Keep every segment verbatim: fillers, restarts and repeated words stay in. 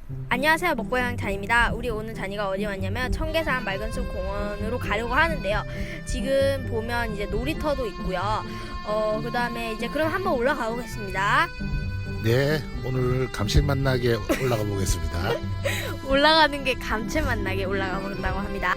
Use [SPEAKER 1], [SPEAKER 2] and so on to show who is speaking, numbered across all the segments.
[SPEAKER 1] 안녕하세요, 먹고양 잔입니다. 우리 오늘 잔이가 어디 왔냐면 청계산 맑은숲 공원으로 가려고 하는데요. 지금 보면 이제 놀이터도 있고요. 어, 그 다음에 이제 그럼 한번 올라가 보겠습니다.
[SPEAKER 2] 네, 오늘 감칠맛 나게 올라가 보겠습니다.
[SPEAKER 1] 올라가는 게 감칠맛 나게 올라가 본다고 합니다.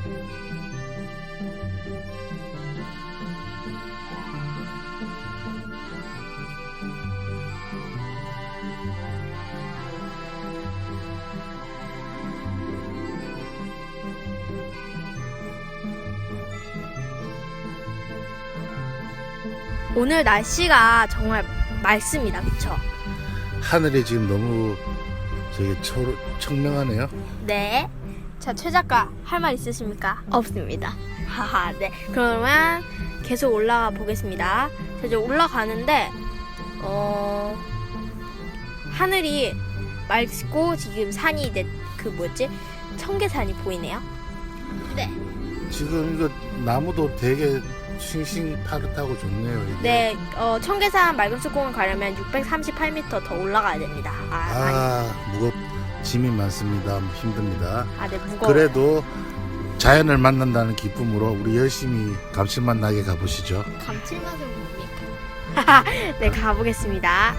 [SPEAKER 1] 오늘 날씨가 정말 맑습니다. 그쵸?
[SPEAKER 2] 하늘이 지금 너무 저기 초, 청명하네요.
[SPEAKER 1] 네. 자, 최 작가 할 말 있으십니까?
[SPEAKER 3] 없습니다.
[SPEAKER 1] 하하, 네. 그러면 계속 올라가 보겠습니다. 자, 이제 올라가는데, 어, 하늘이 맑고 지금 산이 이제 그 뭐지? 청계산이 보이네요. 네.
[SPEAKER 2] 지금 이거 나무도 되게 싱싱파릇하고 좋네요. 이게.
[SPEAKER 1] 네, 어, 청계산 맑은숲공원 가려면 육백삼십팔 미터 더 올라가야 됩니다. 아, 많이.
[SPEAKER 2] 아, 무겁 짐이 많습니다. 힘듭니다.
[SPEAKER 1] 아, 네, 무거워요.
[SPEAKER 2] 그래도 자연을 만난다는 기쁨으로 우리 열심히 감칠맛 나게 가보시죠.
[SPEAKER 3] 감칠맛은 뭡니까?
[SPEAKER 1] 네, 가보겠습니다.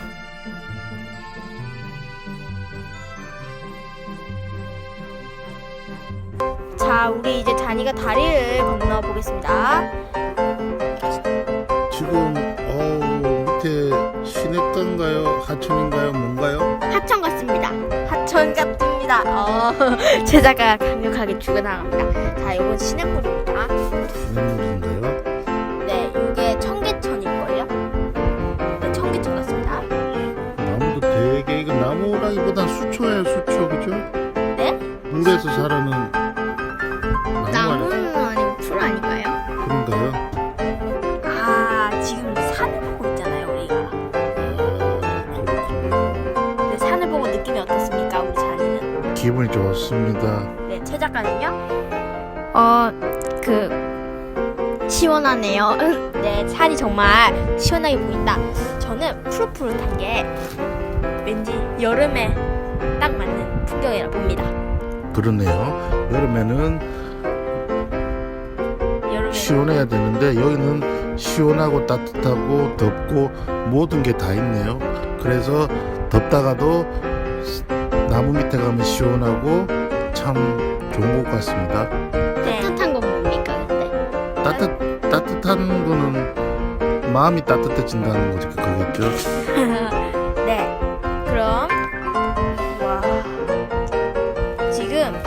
[SPEAKER 1] 자, 우리 이제 잔이가 다리를 건너 보겠습니다.
[SPEAKER 2] 지금 어 밑에 시냇가인가요? 하천인가요? 뭔가요?
[SPEAKER 1] 하천 같습니다. 하천 같습니다. 어, 제자가 강력하게 죽어나갑니다. 자, 이건 시냇물입니다.
[SPEAKER 2] 시냇물인가요?
[SPEAKER 1] 네, 이게 청계천일걸요? 네, 청계천 같습니다.
[SPEAKER 2] 나무도 되게 이거 나무라기보단 수초예요, 수초, 그죠?
[SPEAKER 1] 네?
[SPEAKER 2] 물에서 자라는 나무가
[SPEAKER 3] 나무는 아니고 풀 아닌가요?
[SPEAKER 2] 그런가요?
[SPEAKER 1] 아, 지금 산을 보고 있잖아요, 우리가.
[SPEAKER 2] 아, 그렇군요.
[SPEAKER 1] 네, 산을 보고 느낌이 어떻습니까, 우리 잔이는?
[SPEAKER 2] 기분이 좋습니다.
[SPEAKER 1] 네, 최 작가는요?
[SPEAKER 3] 어, 그 시원하네요.
[SPEAKER 1] 네, 산이 정말 시원하게 보인다. 저는 푸릇푸릇한 게 왠지 여름에 딱 맞는 풍경이라 봅니다.
[SPEAKER 2] 그러네요. 여름에는
[SPEAKER 1] 여름에
[SPEAKER 2] 시원해야 되는데 여기는 시원하고 따뜻하고 덥고 모든 게 다 있네요. 그래서 덥다가도 나무 밑에 가면 시원하고 참 좋은 것 같습니다.
[SPEAKER 1] 네,
[SPEAKER 3] 따뜻한 건 뭡니까 근데?
[SPEAKER 2] 따뜻 따뜻한 거는 마음이 따뜻해진다는 거죠, 그거겠죠.
[SPEAKER 1] 네, 그럼 와 지금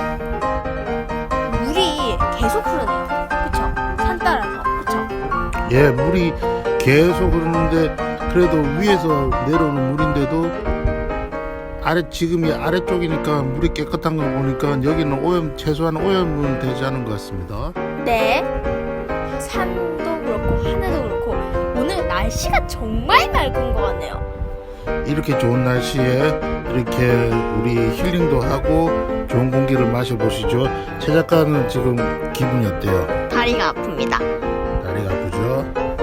[SPEAKER 1] 물이 계속 흐르네요. 그쵸? 산 따라서 그쵸?
[SPEAKER 2] 예, 물이 계속 흐르는데 그래도 위에서 내려오는 물인데도 아래 지금이 아래쪽이니까 물이 깨끗한 거 보니까 여기는 오염 최소한 오염은 되지 않은 것 같습니다.
[SPEAKER 1] 네, 산도 그렇고 하늘도 그렇고 오늘 날씨가 정말 맑은 것 같네요.
[SPEAKER 2] 이렇게 좋은 날씨에 이렇게 우리 힐링도 하고 좋은 공기를 마셔보시죠. 최 작가는 지금 기분이 어때요?
[SPEAKER 3] 다리가 아픕니다.
[SPEAKER 2] 다리가 아프죠?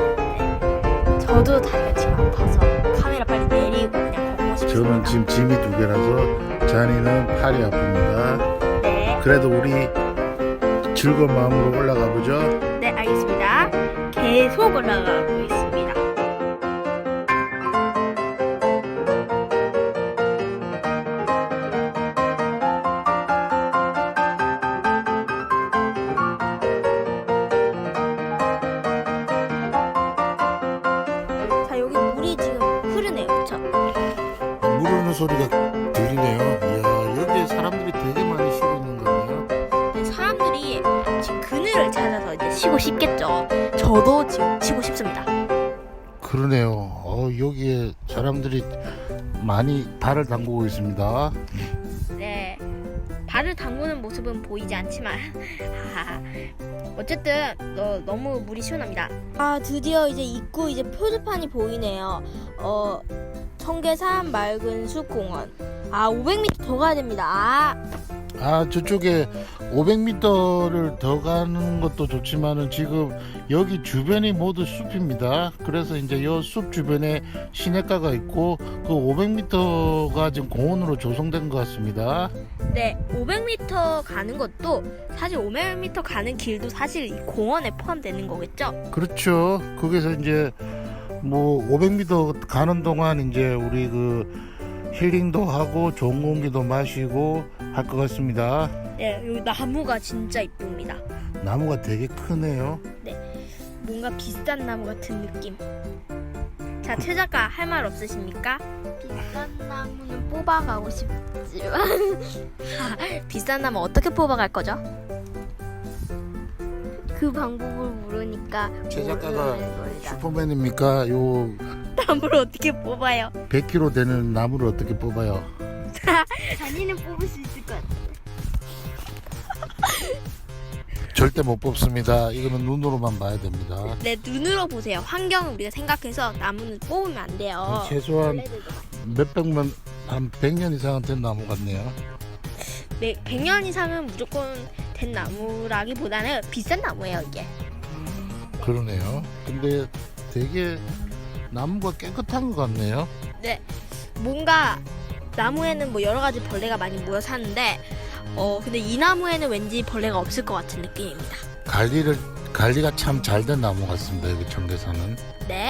[SPEAKER 1] 저도 다리가 지금 아파서 카메라 빨리 내리고 그냥 걷고 싶습니다.
[SPEAKER 2] 저는 지금 짐이 두 개라서 잔이는 팔이 아픕니다.
[SPEAKER 1] 네,
[SPEAKER 2] 그래도 우리 즐거운 마음으로 올라가 보죠.
[SPEAKER 1] 네 알겠습니다. 계속 올라가고 있습니다. 자, 여기 물이 지금 흐르네요. 그쵸?
[SPEAKER 2] 물 흐르는 소리가 들리네요. 이야, 여기에 사람들이 되게 많이 쉬고 있는 거네요.
[SPEAKER 1] 네, 사람들이 지금 그늘을 찾아서 이제 쉬고 싶겠죠. 저도 지금 쉬고 싶습니다.
[SPEAKER 2] 그러네요. 어, 여기에 사람들이 많이 발을 담그고 있습니다.
[SPEAKER 1] 네, 발을 담그는 모습은 보이지 않지만 어쨌든 어, 너무 물이 시원합니다. 아, 드디어 이제 입구 이제 표지판이 보이네요. 어, 청계산 맑은숲 공원. 아, 오백 미터 더 가야 됩니다. 아,
[SPEAKER 2] 아 저쪽에 오백 미터를 더 가는 것도 좋지만은 지금 여기 주변이 모두 숲입니다. 그래서 이제 이 숲 주변에 시내가가 있고 그 오백 미터가 지금 공원으로 조성된 것 같습니다.
[SPEAKER 1] 네, 오백 미터 가는 것도 사실 오백 미터 가는 길도 사실 이 공원에 포함되는 거겠죠?
[SPEAKER 2] 그렇죠. 거기서 이제 뭐 오백 미터 가는 동안 이제 우리 그 힐링도 하고 좋은 공기도 마시고 할 것 같습니다.
[SPEAKER 1] 네, 여기 나무가 진짜 이쁩니다.
[SPEAKER 2] 나무가 되게 크네요.
[SPEAKER 1] 뭔가 비싼 나무 같은 느낌. 자, 최 작가 할 말 없으십니까?
[SPEAKER 3] 비싼 나무는 뽑아가고 싶지만
[SPEAKER 1] 비싼 나무 어떻게 뽑아갈 거죠?
[SPEAKER 3] 그 방법을 모르니까
[SPEAKER 2] 최 작가가
[SPEAKER 3] 모르는 거리다.
[SPEAKER 2] 슈퍼맨입니까? 요
[SPEAKER 1] 나무를 어떻게 뽑아요?
[SPEAKER 2] 백 킬로그램 되는 나무를 어떻게 뽑아요?
[SPEAKER 3] 자니는 뽑을 수 있을 것 같아.
[SPEAKER 2] 절대 못 뽑습니다. 이거는 눈으로만 봐야 됩니다.
[SPEAKER 1] 네, 눈으로 보세요. 환경을 우리가 생각해서 나무는 뽑으면 안 돼요.
[SPEAKER 2] 최소한 몇백만 한 백 년 이상은 된 나무 같네요.
[SPEAKER 1] 네, 백 년 이상은 무조건 된 나무라기보다는 비싼 나무예요, 이게.
[SPEAKER 2] 그러네요. 근데 되게 나무가 깨끗한 것 같네요.
[SPEAKER 1] 네, 뭔가 나무에는 뭐 여러 가지 벌레가 많이 모여 사는데 어 근데 이 나무에는 왠지 벌레가 없을 것 같은 느낌입니다.
[SPEAKER 2] 관리를 관리가 참 잘 된 나무 같습니다. 여기 청계산은.
[SPEAKER 1] 네.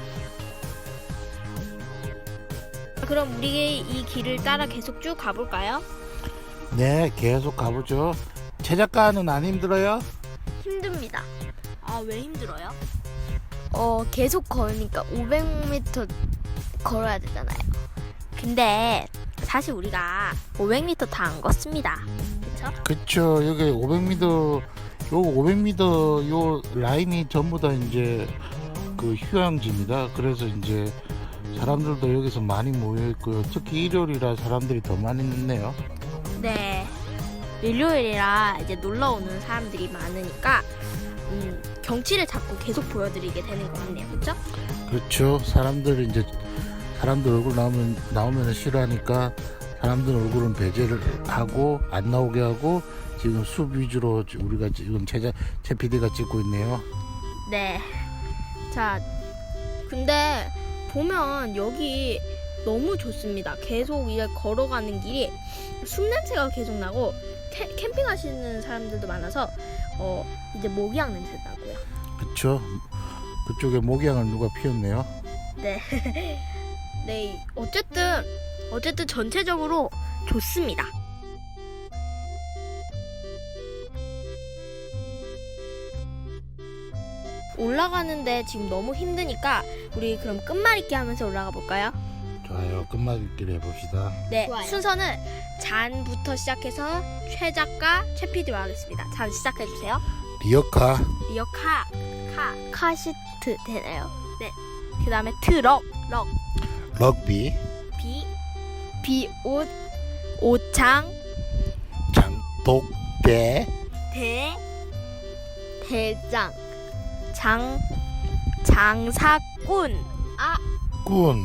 [SPEAKER 1] 그럼 우리 이 길을 따라 계속 쭉 가볼까요?
[SPEAKER 2] 네, 계속 가보죠. 최 작가는 안 힘들어요?
[SPEAKER 3] 힘듭니다.
[SPEAKER 1] 아, 왜 힘들어요?
[SPEAKER 3] 어 계속 걸으니까 오백 미터 걸어야 되잖아요.
[SPEAKER 1] 근데 사실 우리가 오백 미터 다 안 걷습니다. 그쵸?
[SPEAKER 2] 그쵸. 여기 오백 미터, 요 오백 미터 요 라인이 전부 다 이제 그 휴양지입니다. 그래서 이제 사람들도 여기서 많이 모여 있고요. 특히 일요일이라 사람들이 더 많이 있네요.
[SPEAKER 1] 네. 일요일이라 이제 놀러 오는 사람들이 많으니까 음, 경치를 자꾸 계속 보여드리게 되는 것 같네요. 그쵸?
[SPEAKER 2] 그렇죠. 사람들이 이제 사람들 얼굴 나오면 나오면 싫어하니까 사람들 얼굴은 배제를 하고 안 나오게 하고 지금 숲 위주로 우리가 지금 최자 최 피디가 찍고 있네요.
[SPEAKER 1] 네. 자, 근데 보면 여기 너무 좋습니다. 계속 이제 걸어가는 길이 숲 냄새가 계속 나고 캐, 캠핑하시는 사람들도 많아서 어 이제 모기향 냄새 나고요.
[SPEAKER 2] 그렇죠. 그쪽에 모기향을 누가 피웠네요.
[SPEAKER 1] 네. 네. 어쨌든 어쨌든 전체적으로 좋습니다. 올라가는데 지금 너무 힘드니까 우리 그럼 끝말잇기 하면서 올라가 볼까요?
[SPEAKER 2] 좋아요. 끝말잇기를 해봅시다.
[SPEAKER 1] 네,
[SPEAKER 3] 좋아요.
[SPEAKER 1] 순서는 잔부터 시작해서 최 작가, 최 피디로 하겠습니다. 잔 시작해 주세요.
[SPEAKER 2] 리어카,
[SPEAKER 1] 리어카, 카,
[SPEAKER 3] 카시트 되나요?
[SPEAKER 1] 그 다음에 트럭, 럭,
[SPEAKER 2] 럭비,
[SPEAKER 1] 비,
[SPEAKER 3] 비옷
[SPEAKER 1] 오창,
[SPEAKER 2] 장독대,
[SPEAKER 1] 대,
[SPEAKER 3] 대장
[SPEAKER 1] 장, 장사꾼.
[SPEAKER 2] 꾼,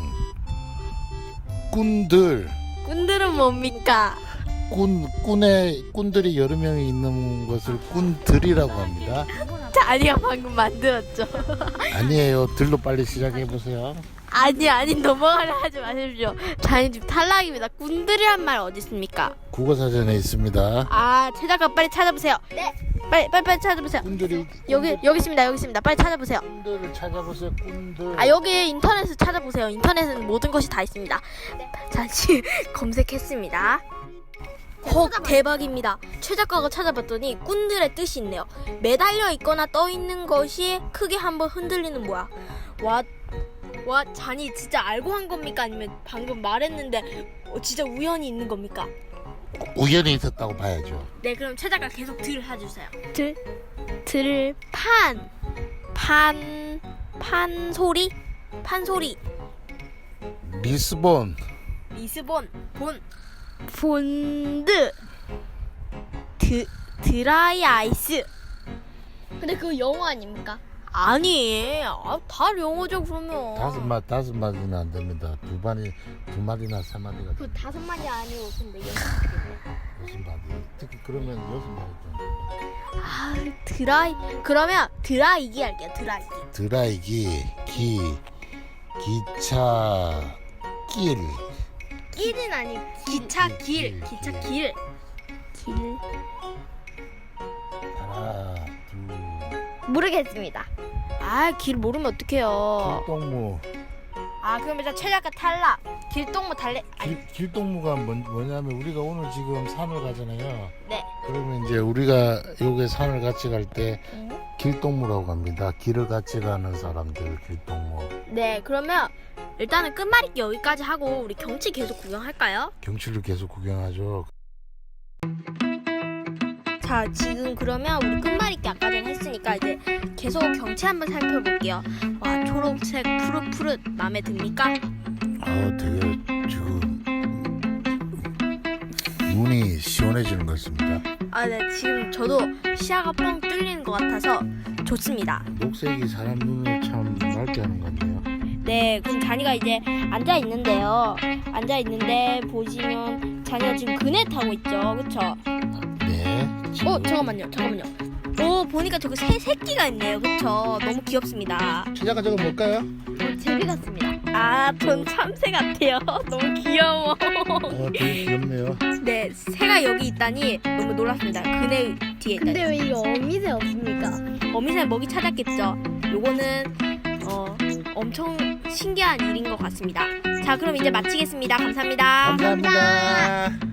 [SPEAKER 2] 꾼들,
[SPEAKER 1] 꾼들은 뭡니까?
[SPEAKER 2] 꾼, 꾼의 꾼들이 여러 명이 있는 것을 꾼들이라고 합니다.
[SPEAKER 1] 자니가 방금 만들었죠.
[SPEAKER 2] 아니에요. 들로 빨리 시작해 보세요.
[SPEAKER 1] 아니 아니 넘어가려 하지 마십시오. 자니 지금 탈락입니다. 꾼들이란 말 어디 있습니까?
[SPEAKER 2] 국어사전에 있습니다.
[SPEAKER 1] 아, 최 작가 빨리 찾아보세요. 네. 빨리 빨리 빨리 찾아보세요.
[SPEAKER 2] 꾼들이
[SPEAKER 1] 여기 여기 있습니다. 여기 있습니다. 빨리 찾아보세요.
[SPEAKER 2] 꾼들을 찾아보세요. 꾼들.
[SPEAKER 1] 아, 여기 인터넷을 찾아보세요. 인터넷은 모든 것이 다 있습니다. 잠시 검색했습니다. 헉, 대박입니다. 최 작가가 찾아봤더니 꾼들의 뜻이 있네요. 매달려 있거나 떠 있는 것이 크게 한번 흔들리는 모양. 와, 와, 잔이 진짜 알고 한 겁니까? 아니면 방금 말했는데 어, 진짜 우연히 있는 겁니까?
[SPEAKER 2] 우연히 있었다고 봐야죠.
[SPEAKER 1] 네, 그럼 최 작가 계속 들 해주세요.
[SPEAKER 3] 들 들판
[SPEAKER 1] 판, 판 소리, 판 소리.
[SPEAKER 2] 리스본,
[SPEAKER 1] 리스본, 본,
[SPEAKER 3] 본드.
[SPEAKER 1] 드, 드라이 아이스.
[SPEAKER 3] 근데 그거 영어 아닙니까?
[SPEAKER 1] 아니, 아, 다 영어죠 그러면.
[SPEAKER 2] 다섯 마 다섯 마디는 안 됩니다. 두 마디 두 마디나 세 마디가.
[SPEAKER 3] 그 다섯 마디 아니고 근데 영어.
[SPEAKER 2] 여섯 마디. 특히 그러면 여섯 마디 정도.
[SPEAKER 1] 아, 드라이. 그러면 드라이기 할게요. 드라이기.
[SPEAKER 2] 드라이기, 기, 기차, 길.
[SPEAKER 1] 길은 아니 기차
[SPEAKER 2] 길,
[SPEAKER 1] 길.
[SPEAKER 2] 길,
[SPEAKER 1] 기차
[SPEAKER 2] 길.
[SPEAKER 1] 길.
[SPEAKER 3] 길.
[SPEAKER 2] 하나, 둘.
[SPEAKER 3] 모르겠습니다.
[SPEAKER 1] 아, 길 모르면 어떡해요.
[SPEAKER 2] 길동무.
[SPEAKER 1] 아, 그럼 일단 최작가 탈락. 길동무 달래. 아니,
[SPEAKER 2] 길, 길동무가 뭐, 뭐냐면 우리가 오늘 지금 산을 가잖아요.
[SPEAKER 1] 네.
[SPEAKER 2] 그러면 이제 우리가 요게 산을 같이 갈 때 길동무라고 합니다. 길을 같이 가는 사람들 길동무.
[SPEAKER 1] 네, 그러면 일단은 끝말잇기 여기까지 하고 우리 경치 계속 구경할까요?
[SPEAKER 2] 경치를 계속 구경하죠.
[SPEAKER 1] 자, 지금 그러면 우리 끝말잇기 아까 전에 했으니까 이제 계속 경치 한번 살펴볼게요. 와, 초록색 푸릇푸릇 마음에 듭니까?
[SPEAKER 2] 아, 되게 지금 눈이 시원해지는 것 같습니다.
[SPEAKER 1] 아, 네, 지금 저도 시야가 뻥 뚫리는 것 같아서 좋습니다.
[SPEAKER 2] 녹색이 사람 눈을 참 맑게 하는 것 같네요.
[SPEAKER 1] 네, 그럼 잔이가 이제 앉아 있는데요. 앉아 있는데 보시면 잔이가 지금 그네 타고 있죠, 그렇죠?
[SPEAKER 2] 네. 지금
[SPEAKER 1] 어, 잠깐만요, 잠깐만요. 오, 보니까 저기 새 새끼가 있네요, 그렇죠? 너무 귀엽습니다.
[SPEAKER 2] 최자가 저거 뭘까요?
[SPEAKER 3] 어, 제비 같습니다.
[SPEAKER 1] 아, 전 참새 같아요. 너무 귀여워.
[SPEAKER 2] 어, 되게 귀엽네요.
[SPEAKER 1] 네, 새가 여기 있다니 너무 놀랐습니다. 그네 뒤에 있다니.
[SPEAKER 3] 근데 왜 이 어미새 없습니까?
[SPEAKER 1] 어미새 먹이 찾았겠죠. 요거는 어, 엄청 신기한 일인 것 같습니다. 자, 그럼 이제 마치겠습니다. 감사합니다.
[SPEAKER 2] 감사합니다.